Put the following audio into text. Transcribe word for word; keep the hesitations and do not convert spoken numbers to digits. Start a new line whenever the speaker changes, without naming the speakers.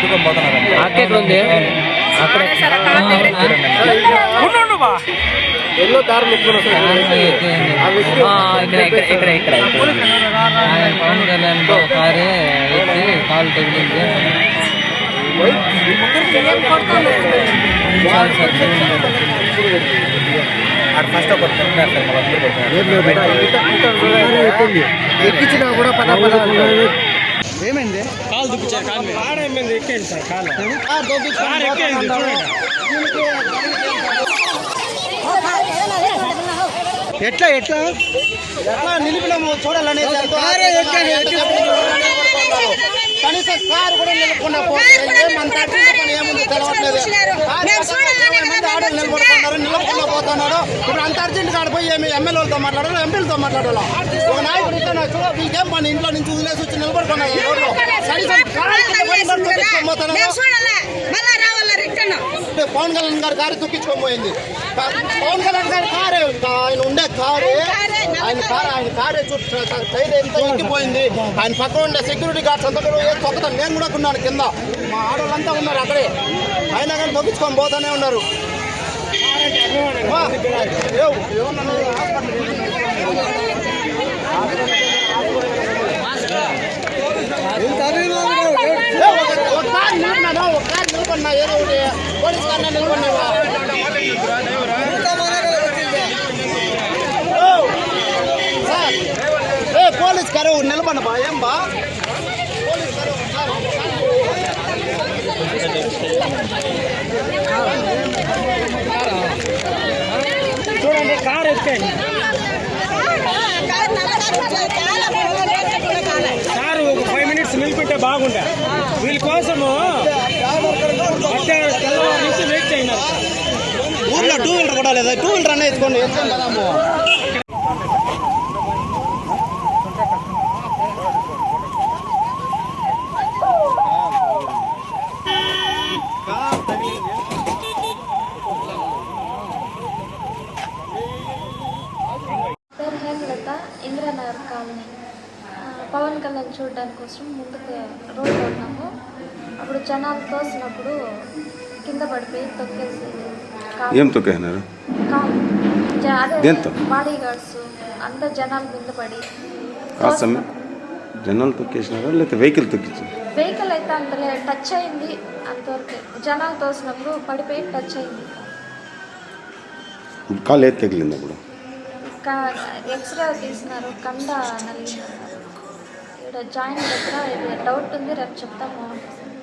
తోలుకొని పోతున్నారు.
అక్క ఎక్కడ ఉంది? అక్కడ
ఎన్నో దారులు
ఇక్కడ ఇక్కడ ఇక్కడ ఇక్కడ పవన్ కళ్యాణ్ కారే ఎత్తి కాలు తగిలింది.
ఫస్ట్ ఒకటి
ఎక్కించినా కూడా పద పద
ఏమైంది?
కాలు దుప్పించారు. కారు ఏమైంది? ఎక్కేయండి సార్. కాలు ఎక్కేయండి. ఎట్లా ఎట్లా ఎట్లా నిలిపినాము చూడాలనేది. కనీసం కారు కూడా నిలుపుకున్నా ఏమంతా ఏముంది తెలవట్లేదు. ఆడలు నిలబడుతున్నారు, నిలబడుకున్నా పోతున్నాడు. ఇప్పుడు అంత అర్జెంట్ కాడిపోయి ఏమి ఎమ్మెల్యేలతో మాట్లాడాలి, ఎంపీలతో మాట్లాడాలి. ఒక నాయకుడు ఇట్లా చూడ వీళ్ళకేం పని ఇంట్లో నుంచి వదిలేసి వచ్చి నిలబడుకున్నారు. పవన్ కళ్యాణ్ గారు కారు తొక్కించుకొని పోయింది. పవన్ కళ్యాణ్ గారి కారే ఆయన ఉండే కారు ఆయన కారు ఆయన కారే చుట్టూ సైడ్ ఎంత ఎక్కిపోయింది. ఆయన పక్కన ఉండే సెక్యూరిటీ గార్డ్స్ అంతా కూడా తొక్కుతాను. నేను కూడా ఉన్నాను కింద, మా ఆడవాళ్ళంతా ఉన్నారు అక్కడే. అయినా కానీ తొక్కించుకొని పోతానే ఉన్నారు. ఒక కారు నిలబడినా ఒక కారు నిలబడినా ఏదో ఒకటి పోలీస్ కారు నిలబడినావా? సార్ ఏ పోలీస్ కారు నిలబడి బా ఏం బా పోలీస్ కారు చూడండి. కారు ఎక్కండి. కారు ఒక ఫైవ్ మినిట్స్ నిలిపితే బాగుండే. వీళ్ళ కోసము తెల్లవారు నుంచి వెయిట్ చేయన్నారు. ఊర్లో టూ వీలర్ కూడా లేదా? టూ వీలర్ అన్న ఎత్తుకోండి. ఎత్తుకోండి కదాము.
ఇంద్రానగర్ కాలనీ. పవన్ కళ్యాణ్ చూడడానికి కోసం ముందుకు రోడ్డు ఉన్నాము. అప్పుడు జనాలు తోసినప్పుడు కింద పడిపోయి తొక్కేసి
ఏం తొక్కేసినారు?
అదే బాడీ గార్డ్స్ అంతా జనాలు కింద పడి
జనాలు తొక్కేసినారా లేకపోతే వెహికల్ తొక్కించారు?
వెహికల్ అయితే అంత టచ్ అయింది. అంతవరకు జనాలు తోసినప్పుడు పడిపోయి టచ్ అయింది.
కాలు ఏది తగిలింది? అప్పుడు
ఎక్స్రే తీసినారు. కండ నలిగినారు. ఇక్కడ జాయిన్ దగ్గర ఇది డౌట్ ఉంది, రేపు చెప్తాము.